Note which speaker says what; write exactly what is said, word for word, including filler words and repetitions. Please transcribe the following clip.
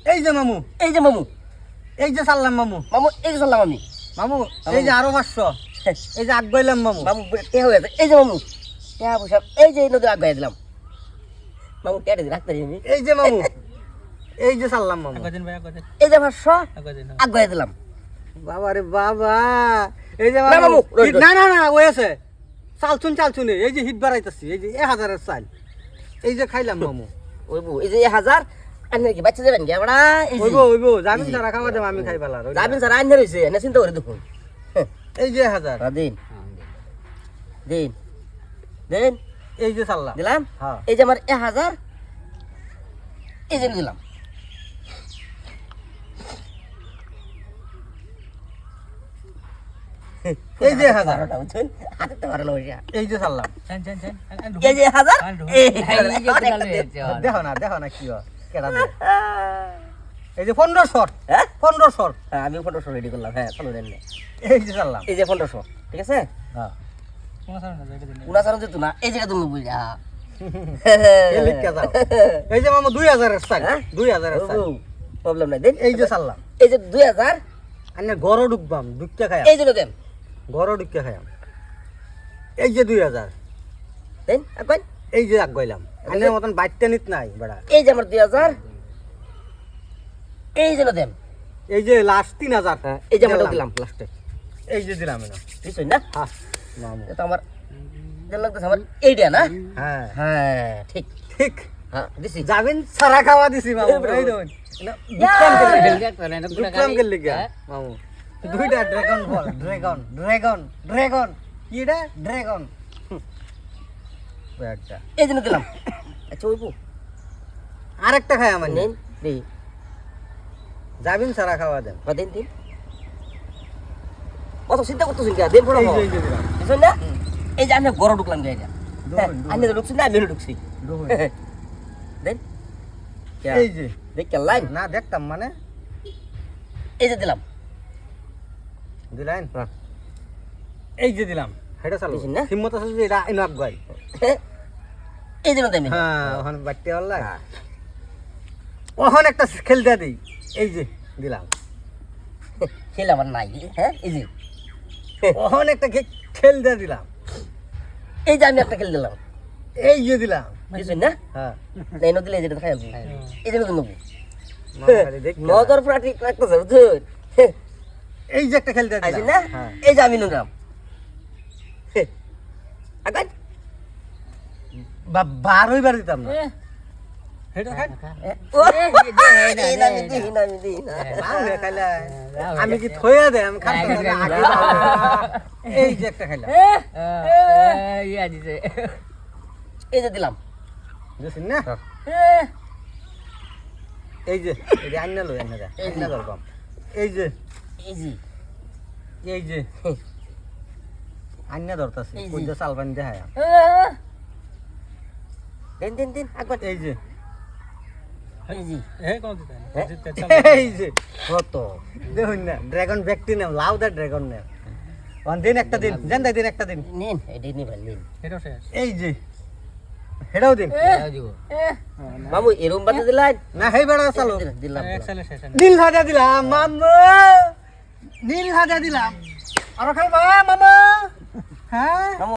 Speaker 1: এই যে মামু,
Speaker 2: এই যে মামু,
Speaker 1: এই যে সাল্লাম মামু,
Speaker 2: মামু এই যে সাল্লাম আমি
Speaker 1: মামু এই যে আরো পাঁচশো, এই যে আগ গইলাম মামু,
Speaker 2: মামু কে হয়ে গেছে এই যে মামু টিয়া পয়সা এই যে নদী আগায় দিলাম মামু টিয়া দিয়ে রাখতে আমি
Speaker 1: এই যে মামু, এই যে সাল্লাম মামু,
Speaker 2: এই যে পাঁচশো আগায় দিলাম
Speaker 1: বাবা রে বাবা, এই যে
Speaker 2: না
Speaker 1: মামু,
Speaker 2: মামু, রই,
Speaker 1: হিট- না না না ওই আছে, চালছুন চালছুন এই যে হিট বাড়াইতাছি, এই যে এক হাজারের চাল, এই যে খাইলাম মামু,
Speaker 2: ওই বউ এই যে এক হাজার আন্নে কি বাচ্চা যাবেন কি আমরা এই যে
Speaker 1: ওইবো ওইবো জামিন ছাড়া খাওয়া দেব আমি খাই ফেলার,
Speaker 2: যাবেন স্যার আন্নে রইছে এনে চিন্তা করে দেখুন
Speaker 1: এই যে এক হাজার,
Speaker 2: দিন দিন দিন
Speaker 1: এই যে সাল্লাম,
Speaker 2: দিলাম
Speaker 1: হ্যাঁ
Speaker 2: এই যে আমার এক হাজার এই যে দিলাম
Speaker 1: এই যে এক হাজার,
Speaker 2: বারোটা বুঝছেন হাতে তো বারো পয়সা
Speaker 1: এই যে সাল্লাম,
Speaker 2: এই যে এক হাজার এই
Speaker 1: দেখো না দেখো না কি হয় কেডা দেয়। এই যে পনেরোশো,
Speaker 2: হ্যাঁ
Speaker 1: পনেরোশো,
Speaker 2: হ্যাঁ, আমি পনেরোশো রেডি করলাম হ্যাঁ চলো দেন না।
Speaker 1: এই যে সাল্লাম,
Speaker 2: এই যে পনেরোশো ঠিক আছে
Speaker 1: হ্যাঁ
Speaker 2: উনাচারণ যেত না এই জায়গা তুমি বুঝা
Speaker 1: এই লিখকে যাও। এই যে মামা দুই হাজারের চাল,
Speaker 2: হ্যাঁ?
Speaker 1: দুই হাজারের চাল,
Speaker 2: প্রবলেম নাই দেন
Speaker 1: এই যে সাল্লাম,
Speaker 2: এই যে দুই হাজার
Speaker 1: আনে গরো ঢুকবাম ঢুকতে খাই,
Speaker 2: এই জন্য দেন
Speaker 1: গরো ঢুকতে খাই, এই যে দুই হাজার,
Speaker 2: দেন এখন
Speaker 1: এই যে আগ গইলাম, আনের মতন বাইটটা নিত নাই বেড়া,
Speaker 2: এই যে আমার দুই হাজার এই জন্য দেন
Speaker 1: এই যে লাস্ট তিন হাজার,
Speaker 2: এই যে আমরা দিলাম লাস্টে
Speaker 1: এই যে দিলাম না,
Speaker 2: বুঝছেন না
Speaker 1: হ্যাঁ মামু,
Speaker 2: এটা আমার দেন লাগতেছে আমার এইটা না
Speaker 1: হ্যাঁ
Speaker 2: হ্যাঁ ঠিক
Speaker 1: ঠিক,
Speaker 2: হ্যাঁ দিছি
Speaker 1: যাবেন সারা খাওয়া দিছি মামু, এই দেখুন দুকলাম গেল লিগা মামু, দুইটা ড্রাগন বল, ড্রাগন ড্রাগন ড্রাগন কি এটা ড্রাগন, একটা
Speaker 2: এই জন্য দিলাম আচ্ছা ওইবু
Speaker 1: আরেকটা খাই আমার
Speaker 2: নেন দেই
Speaker 1: যাবেন সারা খাওয়া দেন,
Speaker 2: বা দেন দিন অত চিন্তা করতেছেন কি দেন পড়া
Speaker 1: এই যে এই যে দিলাম,
Speaker 2: বুঝছেন না এই যে আমি গড় ঢুকলাম গায়ে
Speaker 1: ঢুকুন,
Speaker 2: আমি তো ঢুকছি না আমি ঢুকছি
Speaker 1: ঢুকুন।
Speaker 2: দেন
Speaker 1: এই যে
Speaker 2: দেখ কে লাইন
Speaker 1: না দেখতাম মানে
Speaker 2: এই যে দিলাম
Speaker 1: দিলেন,
Speaker 2: হ্যাঁ।
Speaker 1: এই যে দিলাম, হেটা চালু
Speaker 2: দিছেন না?
Speaker 1: হিম্মত আছে যে এটা ইনাক গাই,
Speaker 2: এই জন্য দেন
Speaker 1: হ্যাঁ ওখানে বাড়তে পারলা, ওখানে একটা খেলতে দিই, এই যে দিলাম,
Speaker 2: খেলে আমার নাই হ্যাঁ এই যে
Speaker 1: ওখানে একটা খেলতে দিলাম,
Speaker 2: এই যে আমি একটা খেলে দিলাম
Speaker 1: এই যে দিলাম,
Speaker 2: বুঝছেন না
Speaker 1: হ্যাঁ
Speaker 2: এই নদী এই যেটা খাই এই জন্য নেবো
Speaker 1: মাঝখানে দেখতে না।
Speaker 2: নজর পুরা ঠিক রাখতেছে বুঝছেন
Speaker 1: এই যে একটা খেলতে
Speaker 2: আইছেন
Speaker 1: দিলাম,
Speaker 2: না
Speaker 1: হ্যাঁ
Speaker 2: এই যে আমি নিলাম আগান
Speaker 1: বা- বার হইবার দিতাম না, হেটা খাই
Speaker 2: এই না আমি দিই না আমি দিই না
Speaker 1: না হয়ে খাইলা, আমি কি থইয়া দে আমি খাইতে পারি না, আগে যাও। এই যে একটা খাইলাম,
Speaker 2: এই যে দিলাম
Speaker 1: বুঝছেন না, এই যে এই যে আন্না লই আন্না যা
Speaker 2: এই যে।
Speaker 1: আন্না ধরবাম, এই যে
Speaker 2: এই যে
Speaker 1: এই যে আন্না ধরতাছি,
Speaker 2: এই যে।
Speaker 1: কই যে সালবান দেখায়,
Speaker 2: দিন দিন দিন আগত
Speaker 1: এই যে
Speaker 2: এই যে
Speaker 1: এই যে কত দেখুন না, ড্রাগন ব্যক্তি নাম লাউ দা ড্রাগন নাম, ওয়ান দিন একটা দিন জান দিন একটা দিন,
Speaker 2: নিন এটাই নিবেন নিন
Speaker 1: এই যে হেটাও দিন,
Speaker 2: মামু এরম বাতে দিলেন
Speaker 1: না হেই বেড়া চালো,
Speaker 2: দিলাম দিলাম
Speaker 1: নীল হাজা দিলাম মামা, নীল হাজা দিলাম, আর খাইবা মামা, হ্যাঁ